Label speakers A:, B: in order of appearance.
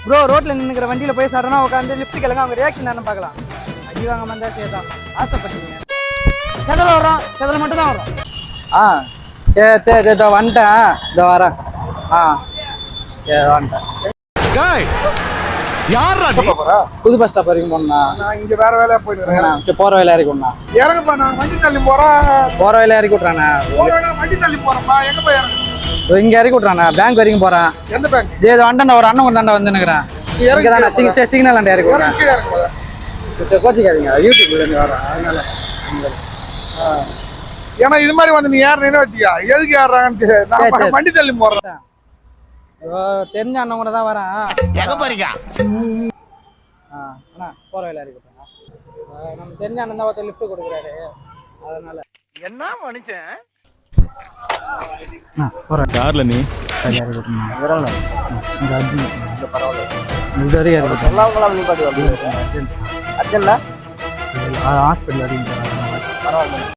A: Bro ரோட்ல நின்னுக்கிற வண்டியில போய் சடனா உட்காந்து லிஃப்ட் கேளுங்க, அவங்க ரியாக்ஷன் என்னன்னு பார்க்கலாம். அடி வாங்க வந்தா சரிதான், ஆசைப்பட்டீங்க. செதல வர்றோம், செதல மட்டும் தான் வரும். சரி சரி இதோ வந்துட்டேன், இதோ வரேன். சரி வந்துட்டேன். புது பஸ் ஸ்டாப் வரைக்கும் போனா
B: இங்க வேற வேலையா போயிட்டு
A: போற வேலை இறக்கி விடணும்.
B: இறங்குப்பா, நான் வண்டி தள்ளி போறேன்.
A: போற வேலை இறக்கி விட்றானே,
B: வண்டி தள்ளி போறேன்ப்பா. எங்க போய் இறங்கு?
A: இங்க இறக்கி விட்றானே, பேங்க் வரைக்கும் போறேன்.
B: எந்த பேங்க்?
A: இது வண்டா ஒரு அண்ணன் கொண்டாண்ட வந்து நிக்கிறேன். சிக்னல் அண்ட இறக்கி விட்றேன். கோச்சிக்காதீங்க, யூடியூப்ல இருந்து வரோம் அதனால.
B: ஏன்னா இது மாதிரி வந்து நீ ஏறனேன்னு வச்சுக்கா, எதுக்கு ஏறாங்கன்னு நான் வண்டி தள்ளி போறேன்.
A: தெரிஞ்ச அண்ணன் கூட தான் வரேன்.
C: எங்க போறீங்க?
A: அண்ணா போற வேலை இருக்கு. நம்ம தெரிஞ்ச அண்ணன் தான் ஒருத்தர் லிஃப்ட் கொடுக்குறாரு, அதனால.
C: என்ன மனுஷன்
D: கார்ல நீ
A: ஹாஸ்பிட்டல் வரைக்கும்